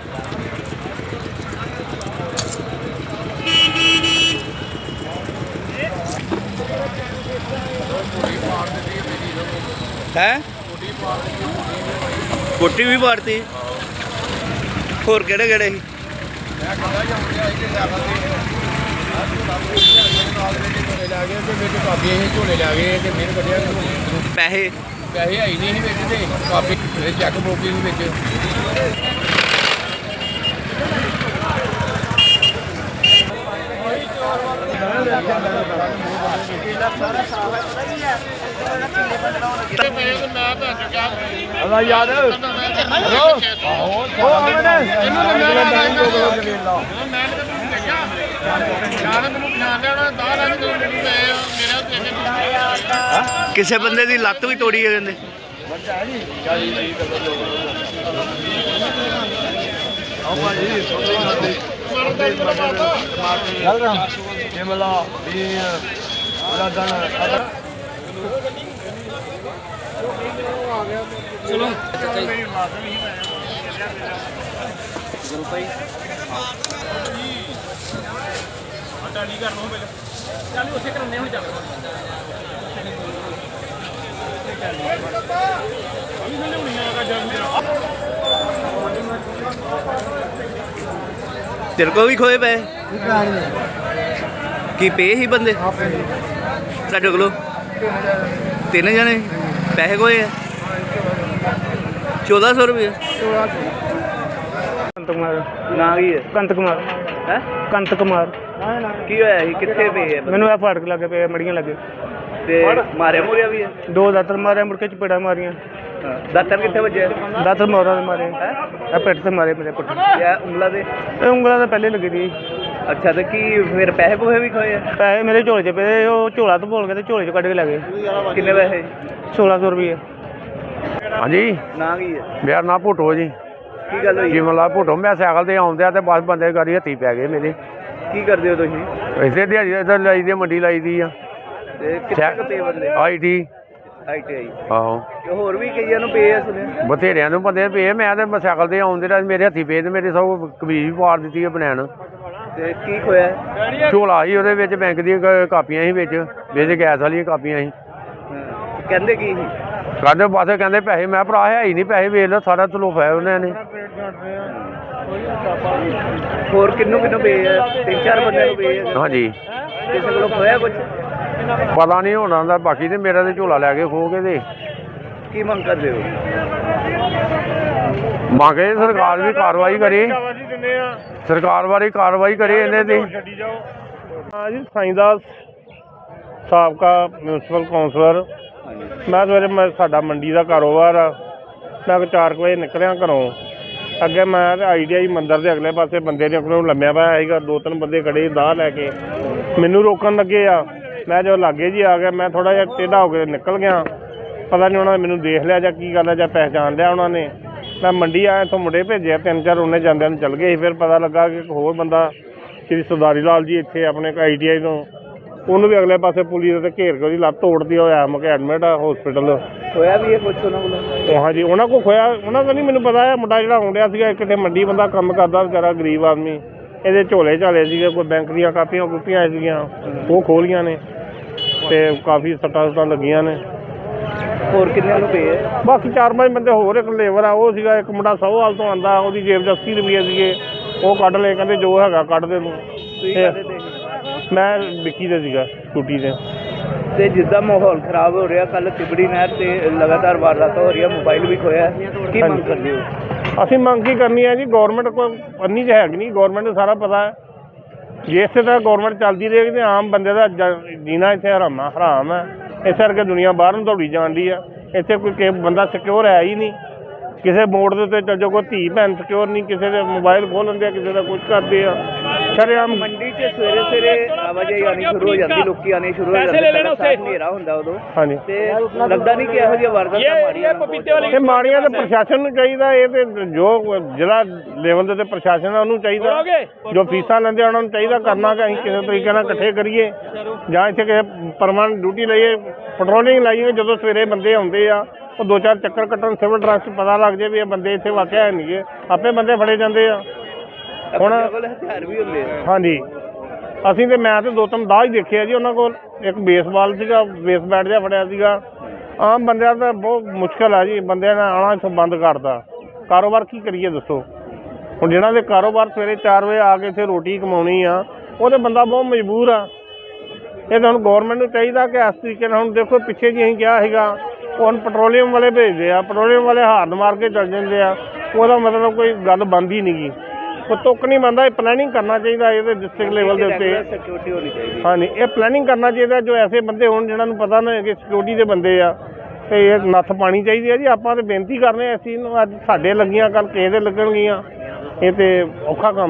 है कोठी भी पाड़ती होर केड़े केड़े पैसे पैसे है ही नहीं कापी चैक बुक किसी बंदे की लत्त भी तोड़ी है कहते चलो तेरे को भी खोए पे की पे ही बंदे साढ़े को 3 जने पैसे खोए है 1400 रुपये कंत कुमार ना की है कंत कुमार है कंत कुमार की होया ही कित्थे पे है मैनू आ फाटक लगे पे मड़ियां लगे ते मारे मुरिया भी है 2 दातर मारे मुड़ के चपेड़ा मारियां दातर कित्थे बजे दातर मोरा दे मारे आ पेट से मारे मेरे पुट या उंगला दे उंगला तो पहले लगी थी अच्छा तो की फिर पैसे पूहे भी खोए है पैसे मेरे झोले च पे वो झोला तो बोल के ते झोले च कट के लगे कितने पैसे 1600 रुपये हाँ जी ना की है मेरा नाम भुट्टो जी की गल हुई जीवन लाल भुट्टो मैं साइकिल से आਉਂਦਿਆ ਤੇ ਬਸ ਬੰਦੇ ਗਾੜੀ ਹੱਥੀ ਪੈ ਗਏ ਮੇਰੇ की करदे हो तुसीं ਇਸੇ ਦਿਹਾੜੀ ਇੱਧਰ ਲਾਈ ਦੀ ਮੰਡੀ ਲਾਈ ਦੀ ਆ ते कितने क पे बंदे ਆਈਟੀ ITI ਆਹੋ ਤੇ ਹੋਰ ਵੀ ਕਈਆਂ ਨੂੰ ਪੇ ਆ ਸੁਣਿਆ ਬਥੇਰਿਆਂ ਨੂੰ ਬੰਦੇ ਪਏ ਮੈਂ ਤੇ ਸਾਈਕਲ ਤੇ ਆਉਂਦੇ ਰਹੇ ਮੇਰੇ ਹੱਥੀ ਪਏ ਤੇ ਮੇਰੇ ਸਭ ਕਮੀਜ਼ ਵੀ ਪਾੜ ਦਿੱਤੀ ਹੈ ਬਨੈਣ ਤੇ ਕੀ ਖੋਇਆ ਝੋਲਾ ਸੀ ਉਹਦੇ ਵਿੱਚ ਬੈਂਕ ਦੀਆਂ ਕਾਪੀਆਂ ਸੀ ਵਿੱਚ ਗੈਸ ਵਾਲੀਆਂ ਕਾਪੀਆਂ ਸੀ ਕਹਿੰਦੇ ਕੀ ਸੀ ਕਹਿੰਦੇ ਬਸ ਕਹਿੰਦੇ ਪੈਸੇ ਮੈਂ ਭਰਾ ਹੈ ਹੀ ਨਹੀਂ ਪੈਸੇ ਵੇਚ ਲਓ ਸਾਰਾ ਤਲੋਫਾ ਹੈ ਉਹਨਾਂ ਨੇ ਹੋਰ ਕਿੰਨੂੰ ਪੇ ਆ 3-4 ਬੰਦਿਆਂ ਨੂੰ ਪੇ ਆ ਹਾਂਜੀ ਕਿਸੇ ਕੋਲੋਂ ਖੋਇਆ ਕੁਝ ਪਤਾ ਨਹੀਂ ਹੋਣਾ ਦਾ ਬਾਕੀ ਤੇ ਮੇਰਾ ਤੇ ਝੋਲਾ ਲੈ ਕੇ ਖੋ ਕੇ ਤੇ ਕੀ ਮੰਗ ਕਰਦੇ ਹੋ ਮੰਗੇ ਸਰਕਾਰ ਵੀ ਕਾਰਵਾਈ ਕਰੇ ਸਰਕਾਰ ਵਾਲੀ ਕਾਰਵਾਈ ਕਰੇ ਇਹਨੇ ਤੇ ਹਾਂ ਜੀ ਸਾਈਂਦਾਸ ਸਾਬਕਾ ਮਿਊਨਸਿਪਲ ਕੌਂਸਲਰ ਮੈਂ ਸਵੇਰੇ ਸਾਡਾ ਮੰਡੀ ਦਾ ਕਾਰੋਬਾਰ ਆ ਮੈਂ 4 ਵਜੇ ਨਿਕਲਿਆ ਘਰੋਂ ਅੱਗੇ ਮੈਂ ਤੇ ITI ਮੰਦਰ ਦੇ ਅਗਲੇ ਪਾਸੇ ਬੰਦੇ ਨੇ ਕੋਲੋਂ ਲੰਮਿਆ ਪਿਆ ਸੀਗਾ 2-3 ਬੰਦੇ ਖੜੇ ਦਾਹ ਲੈ ਕੇ ਮੈਨੂੰ ਰੋਕਣ ਲੱਗੇ ਆ ਮੈਂ ਜਦੋਂ ਲਾਗੇ ਜੀ ਆ ਗਿਆ ਮੈਂ ਥੋੜ੍ਹਾ ਜਿਹਾ ਟੇਢਾ ਹੋ ਕੇ ਨਿਕਲ ਗਿਆ ਪਤਾ ਨਹੀਂ ਉਹਨਾਂ ਨੇ ਮੈਨੂੰ ਦੇਖ ਲਿਆ ਜਾਂ ਕੀ ਗੱਲ ਹੈ ਜਾਂ ਪਹਿਚਾਣ ਲਿਆ ਉਹਨਾਂ ਨੇ ਮੈਂ ਮੰਡੀ ਆਇਆ ਇੱਥੋਂ ਮੁੰਡੇ ਭੇਜਿਆ 3-4 ਉਹਨੇ ਜਾਂਦਿਆਂ ਨੂੰ ਚੱਲ ਗਏ ਸੀ ਫਿਰ ਪਤਾ ਲੱਗਾ ਕਿ ਇੱਕ ਹੋਰ ਬੰਦਾ ਸ਼੍ਰੀ ਸਰਦਾਰੀ ਲਾਲ ਜੀ ਇੱਥੇ ਆਪਣੇ ITI ਤੋਂ ਉਹਨੂੰ ਵੀ ਅਗਲੇ ਪਾਸੇ ਪੁਲਿਸ ਦੇ ਘੇਰ ਕੇ ਉਹਦੀ ਲੱਤ ਤੋੜਦੀ ਹੋਇਆ ਮੈਂ ਕਿਹਾ ਐਡਮਿਟ ਆ ਹਸਪੀਟਲ ਖੋਇਆ ਵੀ ਇਹ ਕੁਛ ਉਹਨਾਂ ਕੋਲੋਂ ਹਾਂਜੀ ਉਹਨਾਂ ਕੋਲ ਖੋਇਆ ਉਹਨਾਂ ਦਾ ਨਹੀਂ ਮੈਨੂੰ ਪਤਾ ਹੈ ਮੁੰਡਾ ਜਿਹੜਾ ਆਉਂਦਿਆ ਸੀਗਾ ਕਿਤੇ ਮੰਡੀ ਬੰਦਾ ਕੰਮ ਕਰਦਾ ਵਿਚਾਰਾ ਗਰੀਬ ਆਦਮੀ ਇਹਦੇ ਝੋਲੇ ਝਾਲੇ ਸੀਗੇ ਕੋਈ ਬੈਂਕ ਦੀਆਂ ਕਾਪੀਆਂ ਕੁਪੀਆਂ ਸੀਗੀਆਂ ਉਹ ਖੋਲੀਆਂ ਨੇ ਤੇ ਕਾਫੀ ਸੱਟਾਂ ਲੱਗੀਆਂ ਨੇ ਹੋਰ ਕਿੰਨੇ ਨੂੰ ਪੇ ਆ ਬਾਕੀ 4-5 ਬੰਦੇ ਹੋਰ ਇੱਕ ਲੇਬਰ ਆ ਉਹ ਸੀਗਾ ਇੱਕ ਮੁੰਡਾ ਸੌਹਾਲ ਤੋਂ ਆਉਂਦਾ ਉਹਦੀ ਜੇਬ 'ਚ 80 ਰੁਪਏ ਸੀਗੇ ਉਹ ਕੱਢ ਲਏ ਕਹਿੰਦੇ ਜੋ ਹੈਗਾ ਕੱਢ ਦੇ ਤੂੰ ਮੈਂ ਵਿੱਕੀ ਦੇ ਸੀਗਾ ਟੂਟੀ ਦੇ ਤੇ ਜਿੱਦਾਂ ਮਾਹੌਲ ਖਰਾਬ ਹੋ ਰਿਹਾ ਕੱਲ ਤਿਬੜੀ ਨਹਿਰ ਤੇ ਲਗਾਤਾਰ ਵਾਰਦਾਤ ਹੋ ਰਹੀ ਹੈ ਮੋਬਾਈਲ ਵੀ ਖੋਇਆ ਕੀ ਮੰਗ ਕਰਦੇ ਹੋ ਅਸੀਂ ਮੰਗ ਕੀ ਕਰਨੀ ਹੈ ਜੀ ਗੌਰਮੈਂਟ ਕੋਈ ਅੰਨੀ ਤਾਂ ਹੈਗੀ ਨਹੀਂ ਗੌਰਮੈਂਟ ਨੂੰ ਸਾਰਾ ਪਤਾ ਹੈ ਜੇ ਇਸੇ ਤਰ੍ਹਾਂ ਗੌਰਮੈਂਟ ਚੱਲਦੀ ਰਹੇਗੀ ਤਾਂ ਆਮ ਬੰਦੇ ਦਾ ਜੀਣਾ ਇੱਥੇ ਹਰਾਮ ਹੈ ਇਸ ਕਰਕੇ ਦੁਨੀਆ ਬਾਹਰ ਨੂੰ ਦੌੜੀ ਜਾਂਦੀ ਆ ਇੱਥੇ ਕੋਈ ਬੰਦਾ ਸਿਕਿਉਰ ਹੈ ਹੀ ਨਹੀਂ ਕਿਸੇ ਮੋੜ ਦੇ ਉੱਤੇ ਚੱਲ ਜਾਓ ਕੋਈ ਧੀ ਭੈਣ ਸਿਕਿਉਰ ਨਹੀਂ ਕਿਸੇ ਦੇ ਮੋਬਾਈਲ ਖੋਹ ਲੈਂਦੇ ਆ ਕਿਸੇ ਦਾ ਕੁਝ ਕਰਦੇ ਆ ਸ਼ਰੇਆਮ ਮੰਡੀ 'ਚ ਸਵੇਰੇ ਆਵਾਜਾਈ ਆਉਣੀ ਸ਼ੁਰੂ ਹੋ ਜਾਂਦੀ ਲੋਕੀ ਆਉਣੇ ਸ਼ੁਰੂ ਹੋ ਜਾਂਦੇ ਹਨੇਰਾ ਹੁੰਦਾ ਉਦੋਂ ਹਾਂਜੀ ਤੇ ਲੱਗਦਾ ਨਹੀਂ ਕਿ ਇਹੋ ਜਿਹੀਆਂ ਵਾਰਦਾਤਾਂ ਮਾੜੀਆਂ ਇਹ ਮਾੜੀਆਂ ਤਾਂ ਪ੍ਰਸ਼ਾਸਨ ਨੂੰ ਚਾਹੀਦਾ ਇਹ ਤੇ ਜੋ ਜ਼ਿਲ੍ਹਾ ਲੈਵਲ ਦੇ ਤੇ ਪ੍ਰਸ਼ਾਸਨ ਆ ਉਹਨੂੰ ਚਾਹੀਦਾ ਜੋ ਫੀਸਾਂ ਲੈਂਦੇ ਉਹਨਾਂ ਨੂੰ ਚਾਹੀਦਾ ਕਰਨਾ ਕਿ ਅਸੀਂ ਕਿਸੇ ਤਰੀਕੇ ਨਾਲ ਇਕੱਠੇ ਕਰੀਏ ਜਾਂ ਇੱਥੇ ਕਿਸੇ ਪਰਮਾਨੈਂਟ ਡਿਊਟੀ ਲਈਏ ਪੈਟਰੋਲਿੰਗ ਲਾਈਏ ਜਦੋਂ ਸਵੇਰੇ ਬੰਦੇ ਆਉਂਦੇ ਆ ਉਹ 2-4 ਚੱਕਰ ਕੱਟਣ ਸਿਵਲ ਡਰੈਸ 'ਚ ਪਤਾ ਲੱਗ ਜਾਏ ਵੀ ਇਹ ਬੰਦੇ ਇੱਥੇ ਵਾਕਿਆ ਹੈ ਨਹੀਂ ਗੇ, ਆਪੇ ਬੰਦੇ ਫੜੇ ਜਾਂਦੇ ਆ। ਹੁਣ ਕੋਲ ਹਥਿਆਰ ਵੀ ਹੁੰਦੇ ਆ। ਹਾਂਜੀ ਅਸੀਂ ਤੇ ਮੈਂ ਤੇ 2-3 ਦਾਅ ਹੀ ਦੇਖਿਆ ਜੀ ਉਹਨਾਂ ਕੋਲ। ਇੱਕ ਬੇਸਬਾਲ ਸੀਗਾ, ਬੇਸ ਬੈਟ ਜਿਹਾ ਫੜਿਆ ਸੀਗਾ। ਆਮ ਬੰਦਿਆਂ ਦਾ ਬਹੁਤ ਮੁਸ਼ਕਿਲ ਆ ਜੀ, ਬੰਦਿਆਂ ਨੇ ਆਉਣਾ ਇੱਥੋਂ ਬੰਦ ਕਰਤਾ। ਕਾਰੋਬਾਰ ਕੀ ਕਰੀਏ ਦੱਸੋ? ਹੁਣ ਜਿਹਨਾਂ ਦੇ ਕਾਰੋਬਾਰ ਸਵੇਰੇ 4 ਵਜੇ ਆ ਕੇ ਇੱਥੇ ਰੋਟੀ ਕਮਾਉਣੀ ਆ, ਉਹ ਤਾਂ ਬੰਦਾ ਬਹੁਤ ਮਜਬੂਰ ਆ। ਇਹ ਤਾਂ ਹੁਣ ਗੌਰਮੈਂਟ ਨੂੰ ਚਾਹੀਦਾ ਕਿ ਇਸ ਤਰੀਕੇ ਨਾਲ, ਹੁਣ ਦੇਖੋ ਪਿੱਛੇ ਜੀ ਅਸੀਂ ਕਿਹਾ ਸੀਗਾ, ਉਹ ਹੁਣ ਪੈਟਰੋਲੀਅਮ ਵਾਲੇ ਭੇਜਦੇ ਆ, ਪੈਟਰੋਲੀਅਮ ਵਾਲੇ ਹਾਰਨ ਮਾਰ ਕੇ ਚੱਲ ਜਾਂਦੇ ਆ। ਉਹਦਾ ਮਤਲਬ ਕੋਈ ਗੱਲ ਬਣਦੀ ਨਹੀਂ ਗੀ, ਉਹ ਤੁੱਕ ਨਹੀਂ ਬਣਦਾ। ਇਹ ਪਲੈਨਿੰਗ ਕਰਨਾ ਚਾਹੀਦਾ ਇਹਦੇ ਡਿਸਟ੍ਰਿਕਟ ਲੈਵਲ ਦੇ ਉੱਤੇ। ਸਿਕਿਉਰਿਟੀ ਹੋਣੀ ਚਾਹੀਦੀ। ਹਾਂਜੀ ਇਹ ਪਲੈਨਿੰਗ ਕਰਨਾ ਚਾਹੀਦਾ, ਜੋ ਐਸੇ ਬੰਦੇ ਹੋਣ ਜਿਹਨਾਂ ਨੂੰ ਪਤਾ ਨਾ ਕਿ ਸਿਕਿਉਰਿਟੀ ਦੇ ਬੰਦੇ ਆ, ਤੇ ਇਹ ਨੱਥ ਪਾਣੀ ਚਾਹੀਦੀ ਹੈ ਜੀ। ਆਪਾਂ ਤਾਂ ਬੇਨਤੀ ਕਰਨੇ ਆ ਇਸ ਚੀਜ਼ ਨੂੰ, ਅੱਜ ਸਾਡੇ ਲੱਗੀਆਂ ਕੱਲ੍ਹ ਕਿਸੇ ਦੇ ਲੱਗਣਗੀਆਂ, ਇਹ ਤੇ ਔਖਾ ਕੰਮ